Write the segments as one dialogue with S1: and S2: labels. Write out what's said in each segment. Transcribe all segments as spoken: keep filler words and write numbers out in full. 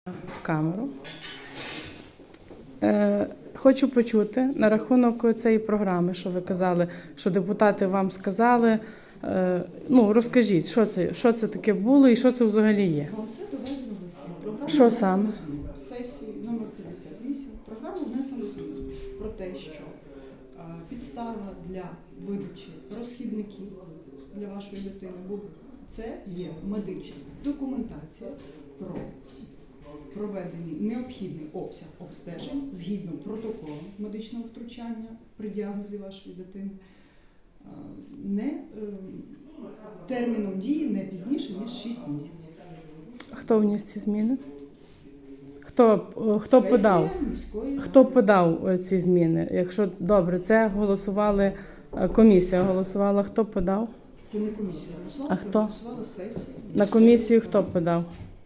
S1: В камеру. Е, хочу почути на рахунок цієї програми, що ви казали, що депутати вам сказали. Е, ну, розкажіть, що це, що це таке було і що це взагалі є?
S2: Вам все доведено в листі. Програма
S1: Що саме?
S2: в сесії номер п'ятдесят вісім. Програма внесено зміни про те, що а, підстава для видачі розхідників для вашої дитини буде. Це є медична документація про проведений необхідний обсяг обстежень згідно протоколу медичного втручання при діагнозі вашої дитини, не терміном дії не пізніше, ніж шість місяців.
S1: Хто вніс ці зміни? Хто, хто
S2: Сесія
S1: подав?
S2: міської
S1: Хто
S2: ради.
S1: подав ці зміни? Якщо добре, це голосували, комісія голосувала, хто подав?
S2: Це не комісія голосувала,
S1: А
S2: це
S1: хто?
S2: голосувала сесія.
S1: На комісію хто подав?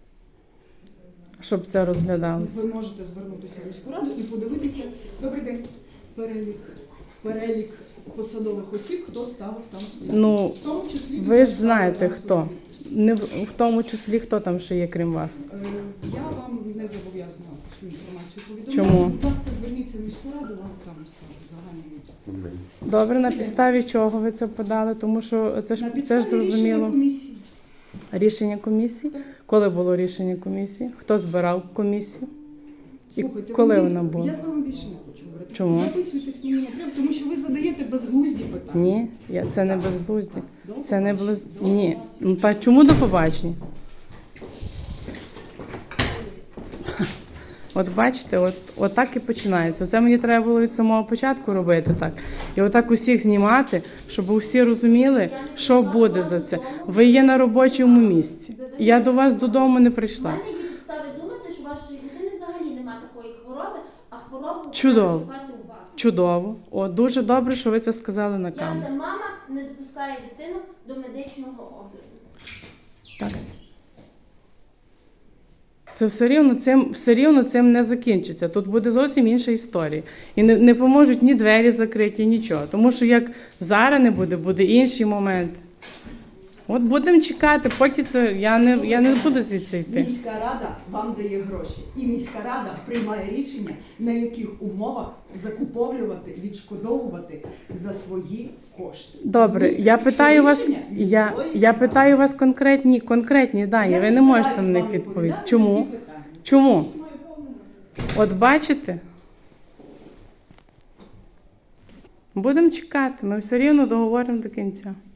S1: Щоб це розглядалося.
S2: Ви можете звернутися в міську раду і подивитися, добрий день, перелік, перелік посадових осіб, хто ставив там свої.
S1: Ну,
S2: в тому числі,
S1: ви ж
S2: хто
S1: знаєте
S2: ставив
S1: хто.
S2: свої.
S1: Не в, в тому числі, хто там ще є, крім вас.
S2: Е, Я вам не зобов'язана цю інформацію повідомляти.
S1: Чому?
S2: Будь ласка, зверніться в міську раду, вам там скажуть загальний відповідь.
S1: Добре, на підставі чого ви це подали? Тому що це ж,
S2: На
S1: це
S2: підставі
S1: ж зрозуміло.
S2: рішення комісії.
S1: Рішення комісії?
S2: Так.
S1: Коли було рішення комісії? Хто збирав комісію? І
S2: Слухайте,
S1: коли
S2: ви-
S1: вона була?
S2: Я з вами більше не хочу говорити.
S1: Чому?
S2: Записуйтесь мені напряму, тому що ви задаєте безглузді питання.
S1: Ні, я, це не безглузді.
S2: До
S1: Це не
S2: побачення.
S1: без... Ні. Ну, та чому до побачення? От бачите, от, от так і починається. Це мені треба було від самого початку робити так. І отак усіх знімати, щоб усі розуміли, що буде за це. Ви є на робочому місці. Я до вас додому не
S3: У
S1: прийшла.
S3: мене є підстави думати, що у вашої дитини взагалі немає такої хвороби, а хворобу
S1: Чудово.
S3: треба шукати у вас.
S1: Чудово. О, дуже добре, що ви це сказали на
S3: Я
S1: камеру.
S3: це мама не допускає дитину до медичного огляду.
S1: Так. Це все рівно цим, все рівно цим не закінчиться. Тут буде зовсім інша історія. І не, не поможуть ні двері закриті, нічого. Тому що як зараз не буде, буде інший момент. От будемо чекати, поки це я не, я не буду звідси йти.
S2: Міська рада вам дає гроші. І міська рада приймає рішення, на яких умовах закуповлювати, відшкодовувати за свої кошти.
S1: Добре,
S2: Розумієте?
S1: я
S2: Це
S1: питаю вас,
S2: рішення
S1: я,
S2: міської
S1: я
S2: ради.
S1: питаю вас конкретні, конкретні дані.
S2: Я
S1: Ви
S2: не
S1: не можете
S2: збираюсь
S1: на них
S2: вам
S1: відповісти.
S2: відповідати
S1: Чому?
S2: на ці питання.
S1: Чому? От бачите? Будемо чекати, ми все рівно договоримо до кінця.